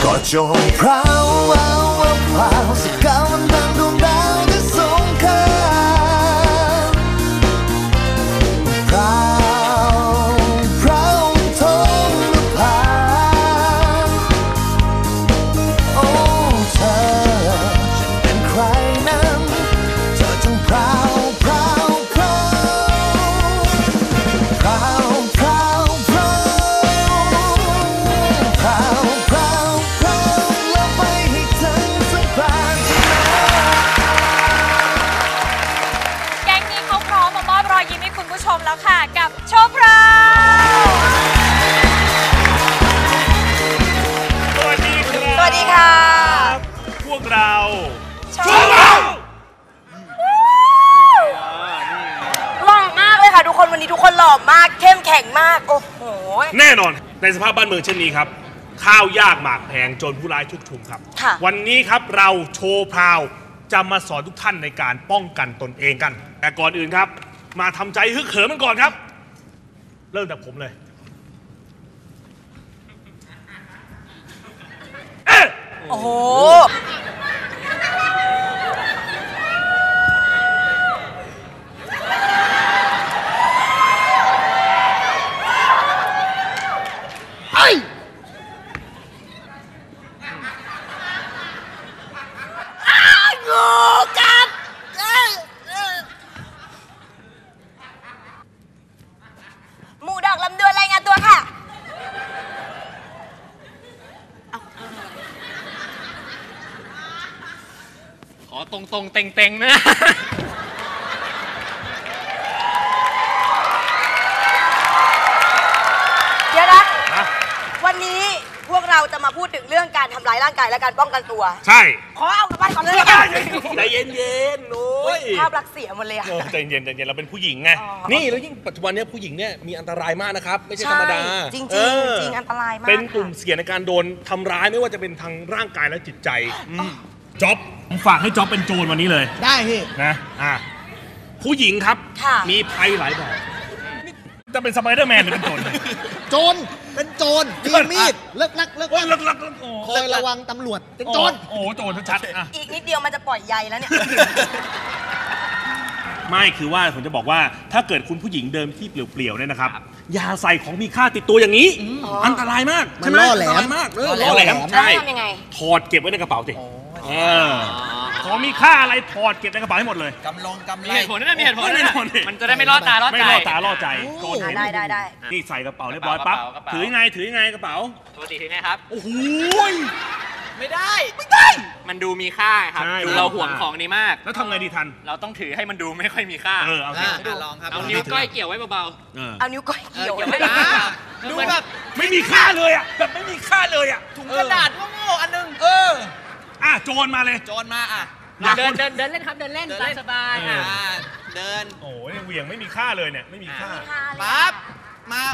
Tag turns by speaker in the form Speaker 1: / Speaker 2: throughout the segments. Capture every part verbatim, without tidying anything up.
Speaker 1: ก็จงพราวเอาเอาพราวสกาวมันดังดวงดาวที่สงครามพราวพราวท้องนภาโอ้เธอฉันเป็นใครนั้นเธอจงพราวพราวพราวพราวพราวพราวพราวพราวพราวแล้วไปให้ถึงสะพานชนะ
Speaker 2: แก๊งนี้เขาพร้อมมามอบรอยยิ้มให้คุณผู้ชมแล้วค่ะกับโชว์พราว
Speaker 3: สวัสดีครับ
Speaker 2: สวัสดีค่ะ
Speaker 3: พวกเรา
Speaker 2: โชว์พราวหล่อมากเลยค่ะทุกคนวันนี้ทุกคนหล่อมากเข้มแข็งมากโอ้โห
Speaker 3: แน่นอนในสภาพบ้านเมืองเช่นนี้ครับข้าวยากหมากแพงจนผู้ร้ายชุกชุมครับวันนี้ครับเราโชว์พราวจะมาสอนทุกท่านในการป้องกันตนเองกันแต่ก่อนอื่นครับมาทำใจฮึกเหิมกันก่อนครับเริ่มจากผมเลยเอ๊ะ
Speaker 2: โอ้โหหมูดอกลำดวนรายงานตัวค่ะ
Speaker 4: ขอตรงๆเต็งๆนะ
Speaker 2: เดี๋ยวนะวันนี้พวกเราจะมาพูดถึงเรื่องการทำร้ายร่างกายและการป้องกันตัว
Speaker 3: ใช่
Speaker 2: ขอเอากลับบ้านก่อนเลยนะ
Speaker 3: ใจเย็นๆโอ้ย
Speaker 2: ภาพลักษณ์เสียหมดเลยอะ
Speaker 3: ใจเย็นใจเย็นเราเป็นผู้หญิงไงนี่แล้วยิ่งปัจจุบันนี้ผู้หญิงเนี่ยมีอันตรายมากนะครับไม่ใช่ธรรมดา
Speaker 2: จริงๆจริงอันตรายมาก
Speaker 3: เป็นกลุ่มเสี่ยงในการโดนทำร้ายไม่ว่าจะเป็นทางร่างกายและจิตใจจ๊อบผมฝากให้จ๊อบเป็นโจรวันนี้เลย
Speaker 5: ได้พี่
Speaker 3: นะอ่ะผู้หญิงครับมีภัยหลายแบบจะเป็นสไปเดอร์แมนหรือเป็นโจร
Speaker 5: โจรเป็นโจรมีมีดเลิกลักเลิกลัก
Speaker 3: เลิกลัก
Speaker 5: คอยระวังตำรวจเป็นโจร
Speaker 3: โอ้โจรชัดๆ
Speaker 2: อีกนิดเดียวมันจะปล่อยใยแล้วเนี่ย
Speaker 3: ไม่คือว่าผมจะบอกว่าถ้าเกิดคุณผู้หญิงเดินที่เปลี่ยวๆเนี่ยนะครับอย่าใส่ของมีค่าติดตัวอย่างนี้อันตรายมาก
Speaker 5: มันล่อแหลม
Speaker 3: มากล่อแหลมใช่ถอดเก็บไว้ในกระเป๋าสิของมีค่าอะไรถอดเก็บในกระเป๋าให้หมดเลย
Speaker 5: กำลงกำไร
Speaker 4: มีเหตุผลนะมีเหตุผลนะมันจะได้ไม่ล่อตาล่อใจ
Speaker 3: ไม่ล่อตาล่อใจโจร
Speaker 2: ได้ได้ได้
Speaker 3: นี่ใส่กระเป๋าเรียบร้อยปั๊บถือยังไงถือยังไงกระเป๋า
Speaker 4: ปกติถือไงครับ
Speaker 3: โอ้โห
Speaker 4: ไม่ได้ไม่ได้มันดูมีค่าครับดูเราห่วงของนี้มาก
Speaker 3: แล้วทำไงดีทัน
Speaker 4: เราต้องถือให้มันดูไม่ค่อยมีค่า
Speaker 3: เออเอาสิ
Speaker 5: ลองครับ
Speaker 4: เอานิ้วก้อยเกี่ยวไว้เบา
Speaker 2: ๆเอานิ้วก้อยเกี่ยว
Speaker 4: ไว้
Speaker 3: ดูแบบไม่มีค่าเลยอ่ะแบบไม่มีค่าเลยอ่ะ
Speaker 5: ถุงกระดาษโง่ๆอันนึง
Speaker 3: เอออ่ะโจรมาเลย
Speaker 5: โจรมาอ่ะ
Speaker 4: เดินเดินเดินเล่นครับเดินเล่นสบายอ่ะ
Speaker 5: เดิน
Speaker 3: โอ้ยเหวี่ยงไม่มีค่าเลยเนี่ยไม่มีค่า
Speaker 5: ปั๊บมา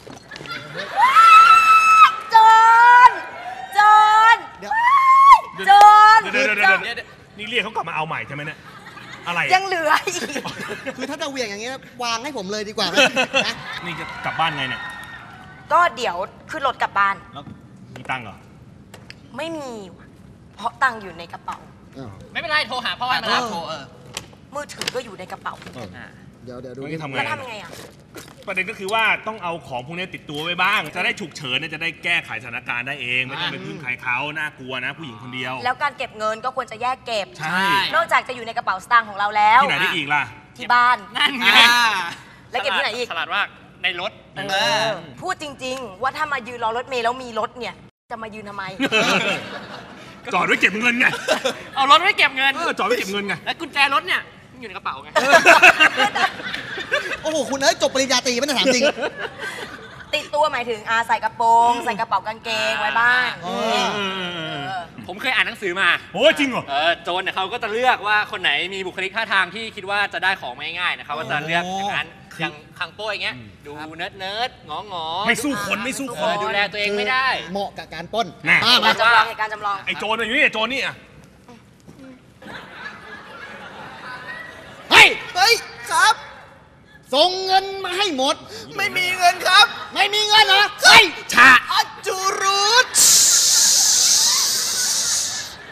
Speaker 2: โจรโจร
Speaker 3: เดี๋ยวโจรเดี๋ยวเดี๋ยวนี่เรียกเขากลับมาเอาใหม่ใช่ไหมเนี่ยอะไร
Speaker 2: ยังเหลืออีก
Speaker 5: คือถ้าจะเหวี่ยงอย่างเงี้ยวางให้ผมเลยดีกว่านะ
Speaker 3: นี่จะกลับบ้านไงเนี่ย
Speaker 2: ก็เดี๋ยวขึ้นรถกลับบ้าน
Speaker 3: แล้วมีตังค์เหรอ
Speaker 2: ไม่มีเพราะตังค์อยู่ในกระเป๋า
Speaker 4: ไม่เป็นไรโทรหาพ่อให้มารับโทร
Speaker 2: มือถือก็อยู่ในกระเป๋า
Speaker 5: เดี๋ยวเดี๋ยวดู
Speaker 3: ทำไง
Speaker 2: แล้วทำยังไงอ่ะ
Speaker 3: ประเด็นก็คือว่าต้องเอาของพวกนี้ติดตัวไว้บ้างจะได้ฉุกเฉินจะได้แก้ไขสถานการณ์ได้เองไม่ต้องไปพึ่งใครเขาน่ากลัวนะผู้หญิงคนเดียว
Speaker 2: แล้วการเก็บเงินก็ควรจะแยกเก็บ
Speaker 3: ใช่
Speaker 2: นอกจากจะอยู่ในกระเป๋าสตางค์ของเราแล้ว
Speaker 3: ที่ไหนได้อีกล่ะ
Speaker 2: ที่บ้าน
Speaker 4: นั่นไง
Speaker 2: แล้วเก็บที่ไหนอีก
Speaker 4: ฉลาดว่าในรถ
Speaker 2: พูดจริงๆว่าถ้ามายืนรอรถเมล์แล้วมีรถเนี่ยจะมายืนทำไม
Speaker 3: จอดไว้เก็บเงินไง
Speaker 4: เอารถไว้เก็บเงิน
Speaker 3: จอดไว้เก็บเงินไง
Speaker 4: แล้วกุญแจรถเนี่ยอยู่ในกระเป๋าไง
Speaker 5: โอ้โหคุณเอ้ยจบปริญญาตรีไม่ได้ถามจริง
Speaker 2: ติดตัวหมายถึงอาใส่กระโปรงใส่กระเป๋ากางเกงไว้บ้าง
Speaker 4: ผมเคยอ่านหนังสือมา
Speaker 3: โอ้จริงเหรอ
Speaker 4: เออโจรเนี่ยเขาก็จะเลือกว่าคนไหนมีบุคลิกท่าทางที่คิดว่าจะได้ของง่ายๆนะครับว่าจะเลือกอย่างนั้นอย่างคังโป้อย่างเงี้ยดูเนิร์ดเนิร์ดงองอ
Speaker 3: ไม่สู้คนไม่สู้คน
Speaker 4: ดูแลตัวเองไม่ได้
Speaker 5: เหมาะกับการป้น
Speaker 2: การจำลองการจำลอง
Speaker 3: ไอ้โจรอยู่นี่ไอ้โจรนี่อ่ะ
Speaker 5: เฮ้ยเฮ้ยครับส่งเงินมาให้หมดไม่มีเงินครับไม่มีเงินเหรอเฮ้ย
Speaker 3: ชา
Speaker 5: อัจจุรุต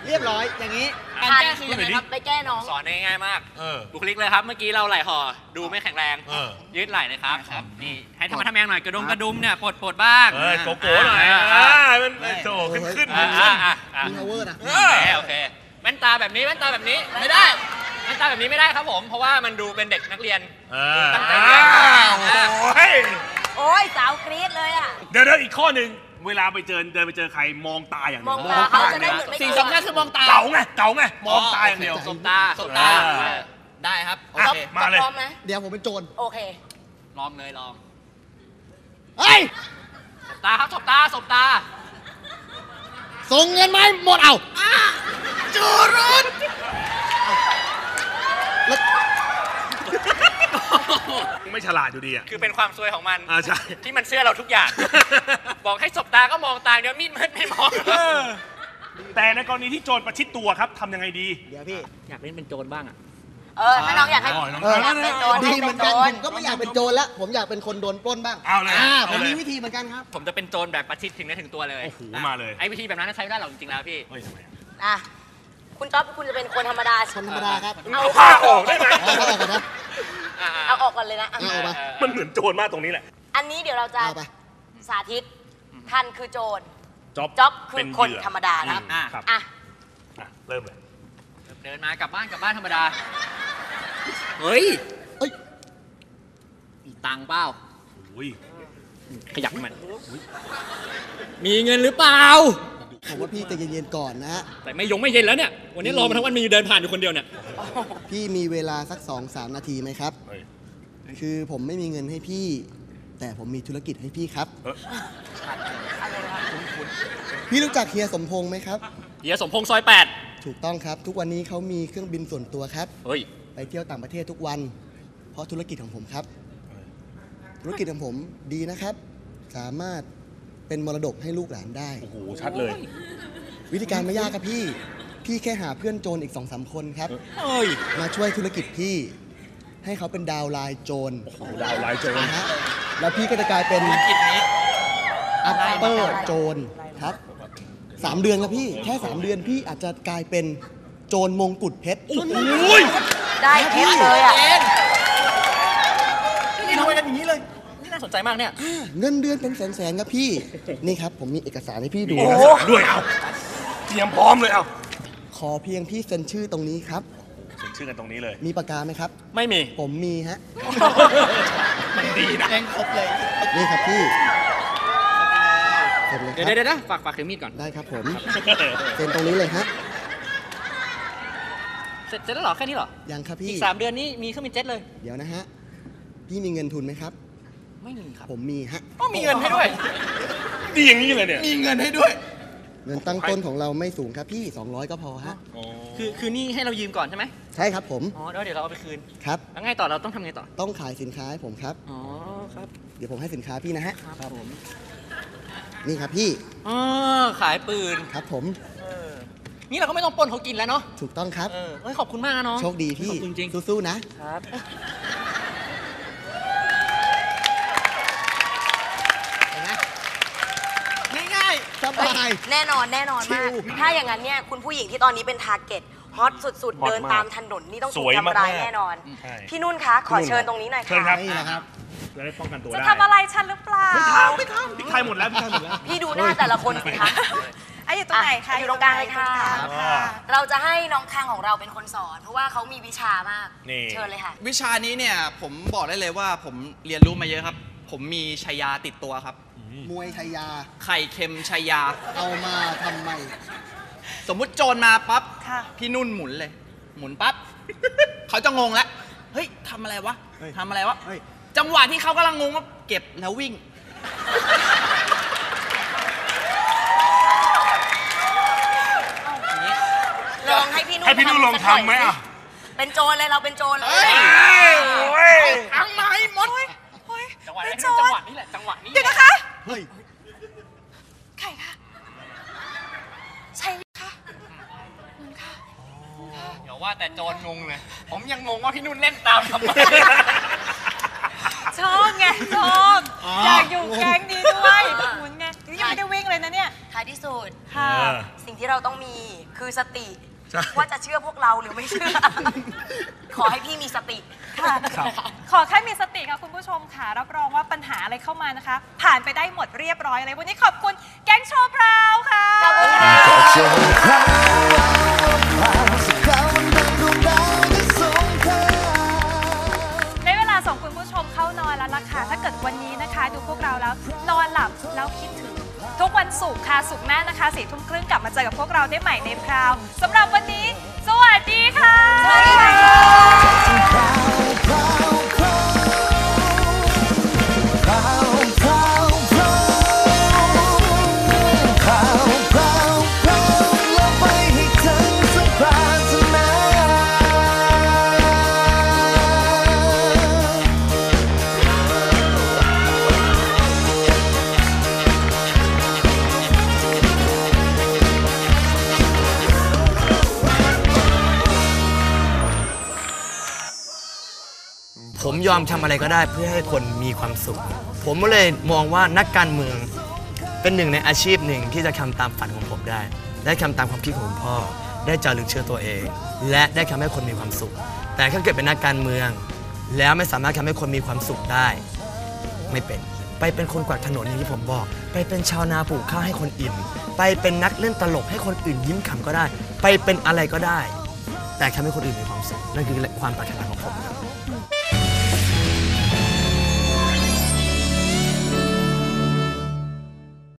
Speaker 5: เรียบร้อยอย่างนี้
Speaker 4: การแก้คือยังไงครับ
Speaker 2: ไปแก้น้อง
Speaker 4: สอนง่ายๆมาก
Speaker 3: เออ
Speaker 4: บุคลิกเลยครับ เมื่อกี้เราไหล่ห่อดูไม่แข็งแรง
Speaker 3: เออ
Speaker 4: ยืดไหล่เลยครับครับนี่ให้ทำมาทำแมงหน่อยกระดุมกระดุมเนี่ยปลดปลดบ้าง
Speaker 3: เอ้ยโกโก้หน่อยอ่ามันโถขึ้นขึ้น
Speaker 4: อ่า
Speaker 3: ขึ้น
Speaker 4: อ่าอ่า
Speaker 5: มี power นะ
Speaker 4: โอเคโอเคแว่นตาแบบนี้แว่นตาแบบนี้ไม่ได้แว่นตาแบบนี้ไม่ได้ครับผม เพราะว่ามันดูเป็นเด็กนักเรียน
Speaker 3: อ่า
Speaker 4: ตั้งใจเรียน
Speaker 3: โอ้ย
Speaker 2: โอ้ยสาวกรี๊ดเลยอ่ะ
Speaker 3: เดี๋ยวเดี๋ยวอีกข้อหนึ่งเวลาไปเจอเดินไปเจอใครมองตาอย่าง
Speaker 2: ม
Speaker 3: เดี
Speaker 2: อ
Speaker 3: ยว
Speaker 2: งตาเขาจะได้เหมือนไม่
Speaker 4: สิ่ง
Speaker 2: กลัว
Speaker 4: สำคัญคือมองตา
Speaker 3: เก๋าไงเก๋าไงมองตาอย่างเดียว
Speaker 4: สบตาสบตา
Speaker 3: อ่า
Speaker 4: ได้ครับ โอ
Speaker 3: อ่ะ
Speaker 4: เค
Speaker 3: มาเลย
Speaker 2: พร้อมไหม
Speaker 5: เดี๋ยวผมเป็นโจร
Speaker 2: โอเค
Speaker 4: ลองเลยลอง
Speaker 5: เฮ้ย
Speaker 4: สบตาครับสบตาสบตา
Speaker 5: ส่งเงินมาให้หมดเอาจูรุนแล้ว
Speaker 3: ไม่ฉลาดอยู่ดีอ่ะ
Speaker 4: คือเป็นความซวยของมัน
Speaker 3: อ่าใช่
Speaker 4: ที่มันเสื้อเราทุกอย่าง บอกให้สบตาก็มองตาเดี๋ยวมีดมันไม่มอง
Speaker 3: แต่ในกรณีที่โจรประชิดตัวครับทำยังไงดี
Speaker 5: เดี๋ยวพี่
Speaker 4: อยากเล่นเป็นโจรบ้างอ่ะ
Speaker 2: เออ ถ้าน้องอยากให้
Speaker 3: อ๋อน้อง
Speaker 5: เออ
Speaker 2: อยากเป็นโจร
Speaker 5: ดี
Speaker 2: ให้
Speaker 5: เห
Speaker 2: เป็
Speaker 5: มื
Speaker 2: น
Speaker 5: อน
Speaker 2: โจ
Speaker 5: กัน
Speaker 2: ร
Speaker 5: ผมก็ไม่อยากเป็นโจรแล้ว ผมอยากเป็นคนโดนปล้นบ้าง
Speaker 3: เอาเลย
Speaker 5: อ่าผ
Speaker 3: เอา
Speaker 5: ม
Speaker 3: เลย
Speaker 5: มีวิธีเหมือนกันครับ
Speaker 4: ผมจะเป็นโจรแบบประชิดถึงได้ถึงตัวเลย
Speaker 3: โอ้โหมาเลย
Speaker 4: ไอ้วิธีแบบนั้นใช้ไม่ได้หรอกจริงๆแล้วพี่
Speaker 3: เฮ้ยทำไมอ่ะ
Speaker 2: อ่ะ คุณจ๊อบคุณจะเป็นคนธรรมดา
Speaker 5: คนธรรมดาครับ
Speaker 2: เอา
Speaker 3: เอาผ้าออกได้ไหม
Speaker 5: เอาเอาออกก่อนนะ
Speaker 2: เอาออกก่อนเลยนะอ่ะ
Speaker 5: เอาออกมา
Speaker 3: มันเหมือนโจรมากตรงนี้แหละ
Speaker 2: อันนี้เดี๋ยวเราจะ
Speaker 5: เอาไป
Speaker 2: สาธิตท่านคือโจร
Speaker 3: จ๊อบ
Speaker 2: จ๊อบคือ
Speaker 3: เป็น
Speaker 2: คน
Speaker 3: เหยื่อ
Speaker 2: ธรรมดาครับ
Speaker 3: อืมครับ
Speaker 2: อ่ะ
Speaker 3: อ่ะเริ่มเลย
Speaker 4: เดินมากลับบ้านกลับบ้านธรรมดา เฮ้ย
Speaker 5: เอ้ย
Speaker 4: มีตังค์เปล่า
Speaker 3: โอ้ย
Speaker 4: ขยับมัน มีเงินหรือเปล่า
Speaker 5: ผมว่าพี่ใจเย็นๆก่อนนะฮะ
Speaker 4: แต่ไม่ยงไม่เย็นแล้วเนี่ย วันนี้รอมาทั้งวันมีเดินผ่านอยู่คนเดียวเนี่ย
Speaker 5: พี่มีเวลาสักสองสามนาทีไหมครับ
Speaker 3: เฮ้ย
Speaker 5: คือผมไม่มีเงินให้พี่ แต่ผมมีธุรกิจให้พี่ครับ
Speaker 3: เออ
Speaker 5: พี่รู้จักเฮียสมพงษ์ไหมครับ
Speaker 4: เฮียสมพงษ์ซอยแปด
Speaker 5: ถูกต้องครับ ทุกวันนี้เขามีเครื่องบินส่วนตัวครับ
Speaker 4: เฮ้ย
Speaker 5: ไปเที่ยวต่างประเทศทุกวัน เพราะธุรกิจของผมครับ ธุรกิจของผมดีนะครับ สามารถเป็นมรดกให้ลูกหลานได้
Speaker 3: โอ้โหชัดเลย
Speaker 5: วิธีการไม่ยากครับพี่ พี่แค่หาเพื่อนโจรอีกสองสามคนครับ
Speaker 4: เฮ้ย
Speaker 5: มาช่วยธุรกิจพี่ ให้เขาเป็นดาวน์ไลน์โจร
Speaker 3: โอ้โหดาวไลน์โจร
Speaker 5: นะฮะ แล้วพี่ก็จะกลายเป็น
Speaker 4: ธุรกิจนี้
Speaker 5: อัปเปอร์โจรครับสามเดือนครับพี่ แค่สามเดือนพี่อาจจะกลายเป็นโจรมงกุฎเพชร
Speaker 3: โอ้ย
Speaker 2: ได้เพชรเลยอ่ะ
Speaker 4: นี่ทำไมกันอย่างนี้เลย นี่น่าสนใจมากเนี่ย
Speaker 5: เงินเดือนเป็นแสนๆครับพี่ นี่ครับผมมีเอกสารให้พี่ดู
Speaker 3: มี
Speaker 5: นะ
Speaker 3: เอกสารด้วยเอาเตรียมพร้อมเลยเอา
Speaker 5: ขอเพียงพี่เซ็นชื่อตรงนี้ครับ
Speaker 3: เซ็นชื่อกันตรงนี้เลย
Speaker 5: มีปากกาไหมครับ
Speaker 4: ไม่มี
Speaker 5: ผมมีฮะ
Speaker 3: มันดีนะ
Speaker 4: แรงครบเลย
Speaker 5: นี่ครับพี่เซ็นเลยค
Speaker 4: เดี๋ยว
Speaker 5: รับ
Speaker 4: เดี๋ยวนะฝากฝากถือมีดก่อน
Speaker 5: ได้ครับผม เซ็นตรงนี้เลยฮะ
Speaker 4: เสร็จเสร็จแล้วเหรอ แค่นี้เหรอ
Speaker 5: ยังครับ
Speaker 4: อี
Speaker 5: พี่
Speaker 4: กสามเดือนนี้มีเครื่องบินเจ็ตเลย
Speaker 5: เดี๋ยวนะฮะ พี่มีเงินทุนไหมครับ
Speaker 4: ไม่มีครับ
Speaker 5: ผมมีฮะ
Speaker 4: ก็มีเงินให้ด้วย
Speaker 3: ดีอย่างนี้เลยเนี่ย
Speaker 4: มีเงินให้ด้วย
Speaker 5: เงินตั้งต้นของเราไม่สูงครับพี่ สองร้อยก็พอฮะ
Speaker 3: อ๋อ
Speaker 4: คือคือนี่ให้เรายืมก่อนใช่ไหม
Speaker 5: ใช่ครับผม
Speaker 4: อ๋อแล้วเดี๋ยวเราเอาไปคืน
Speaker 5: ครับ
Speaker 4: แล้วไงต่อ เราต้องทำไงต่อ
Speaker 5: ต้องขายสินค้าให้ผมครับ
Speaker 4: อ๋อ ครับ
Speaker 5: เดี๋ยวผมให้สินค้าพี่นะฮะ
Speaker 4: ครับผม
Speaker 5: นี่ครับพี่
Speaker 4: อ๋อ ขายปืน
Speaker 5: ครับผม
Speaker 4: เออ นี่เราก็ไม่ต้องปล้นเขากินแล้วเนาะ
Speaker 5: ถูกต้องครับ
Speaker 4: เออเฮ้ย ขอบคุณมากนะน้อง
Speaker 5: โชคดีพี่
Speaker 4: ขอบคุณจริง
Speaker 5: สู้ๆนะ
Speaker 4: ครับ
Speaker 5: ง่ายๆสบาย
Speaker 2: แน่นอนแน่นอนมาก
Speaker 5: ชิล
Speaker 2: ถ้าอย่างนั้นเนี่ยคุณผู้หญิงที่ตอนนี้เป็นทาร์เก็ตฮอตสุด
Speaker 3: ฮอต
Speaker 2: ๆ เดิน
Speaker 3: มาก
Speaker 2: ตามถนนนี่ต้อง
Speaker 3: ส
Speaker 2: ถูก
Speaker 3: วย
Speaker 2: ทำร้าย
Speaker 3: มากๆ
Speaker 2: แน่นอน
Speaker 3: ใช่
Speaker 2: พี่นุ่นคะ ขอเชิญตรงนี้หน่อย
Speaker 3: เชิญ
Speaker 2: ค่ะ
Speaker 3: ครับ
Speaker 5: นี่นะครับ
Speaker 3: จะได้ป้องกันตัว
Speaker 6: จะ
Speaker 3: ได้
Speaker 6: ทำอะไรฉันหรือเปล่า
Speaker 3: ไม่ทำไม่ทำพริกไทยหมดแล้วพริกไทยหมดแล้ว
Speaker 2: พี่ดูหน้าแต่ละคนสิคะ
Speaker 6: ไอ้อยู่ตรงไหนคะ
Speaker 2: อ่ะอยู่ตรงกลางเลยค่ะ
Speaker 6: อยู่ตรงกลางค่ะ
Speaker 2: เราจะให้น้องคางของเราเป็นคนสอน เพราะว่าเขามีวิชามาก
Speaker 3: นี่
Speaker 2: เชิญเลยค่ะ
Speaker 7: วิชานี้เนี่ยผมบอกได้เลยว่าผมเรียนรู้มาเยอะครับ ผมมีชัยยาติดตัวครับ
Speaker 5: มวยชายา
Speaker 7: ไข่เค็มชัยยา
Speaker 5: เอามาทำไม
Speaker 7: สมมุติโจรมาปั๊บ
Speaker 6: ค่ะ
Speaker 7: พี่นุ่นหมุนเลย หมุนปั๊บ เขาจะงงแล้ว เฮ้ยทำอะไรวะ
Speaker 5: เฮ้ย
Speaker 7: ทำอะไรวะ
Speaker 5: เฮ้ย
Speaker 7: จังหวะที่เขากำลังงงว่าเก็บแล้ววิ่ง
Speaker 2: ลองให้พี่นุ่น
Speaker 3: ให้พี่นุ่นลอง
Speaker 2: สักน่ย
Speaker 3: ทำไหมอ่ะ
Speaker 2: สิเป็นโจรเลยเราเป็นโจรเลย
Speaker 7: เฮ้ย
Speaker 3: โอ้ย
Speaker 7: อังมาให้หมด
Speaker 6: โอ๊ย
Speaker 4: จังหวะ
Speaker 6: ไม่
Speaker 4: นี้
Speaker 6: โจ
Speaker 4: จัง
Speaker 6: ร
Speaker 4: หวะนี้แหละ จังหวะนี้
Speaker 6: เดี๋ยวนะคะ
Speaker 5: เฮ้ย
Speaker 6: ไข่ค่ะ ใช่ค่ะเงินค่ะ
Speaker 4: เดี๋ยวว่าแต่โจรงงเลย ผมยังงงว่าพี่นุ่นเล่นตามทำไม
Speaker 6: ชอบไงชอบอยากอยู่แก๊งนี้ด้วยหมุนไงนี่ยังไม่ได้วิ่งเลยนะเนี่ย
Speaker 2: ท้ายที่สุด
Speaker 6: ค่ะ
Speaker 3: เออ
Speaker 2: สิ่งที่เราต้องมีคือสติ
Speaker 3: ใช่
Speaker 2: ว่าจะเชื่อพวกเราหรือไม่เชื่อ ขอให้พี่มีสติ
Speaker 6: ค่ะขอแค่มีสติค่ะคุณผู้ชมค่ะรับรองว่าปัญหาอะไรเข้ามานะคะ ผ่านไปได้หมดเรียบร้อยเลยวันนี้ขอบคุณแก๊งโชว์พราวค่ะ
Speaker 2: ขอบคุณค่ะ
Speaker 1: โชว์พราวพราวสักวันดังดวงดาวที่สงคราม
Speaker 6: ได้เวลาส่งคุณผู้ชมเข้านอนแล้วล่ะค่ะถ้าเกิดวันนี้นะคะ ดูพวกเราแล้วนอนหลับแล้วคิดถึงทุกวันศุกร์ค่ะศุกร์หน้านะคะสี่ทุ่มครึ่งกลับมาเจอกับพวกเราได้ใหม่ในพราวสำหรับวันนี้สวัสดีค่ะ
Speaker 2: สวัสดีค่ะ
Speaker 1: พราวพราวพราวพราวพราวพราวพราวพราวพราวแล้วไปให้ถึงสักปรารถนา
Speaker 8: ผมยอมทำอะไรก็ได้เพื่อให้คนมีความสุข ผมก็เลยมองว่านักการเมืองเป็นหนึ่งในอาชีพหนึ่งที่จะทำตามฝันของผมได้ ได้ทำตามความคิดของคุณพ่อ ได้จารึกเชื่อตัวเอง และได้ทำให้คนมีความสุข แต่ถ้าเกิดเป็นนักการเมือง แล้วไม่สามารถทำให้คนมีความสุขได้ ไม่เป็น ไปเป็นคนกวาดถนนอย่างที่ผมบอก ไปเป็นชาวนาปลูกข้าวให้คนอิ่ม ไปเป็นนักเล่นตลกให้คนอื่นยิ้มขำก็ได้ ไปเป็นอะไรก็ได้ แต่ทำให้คนอื่นมีความสุขนั่นคือความปรารถนาของผมครับ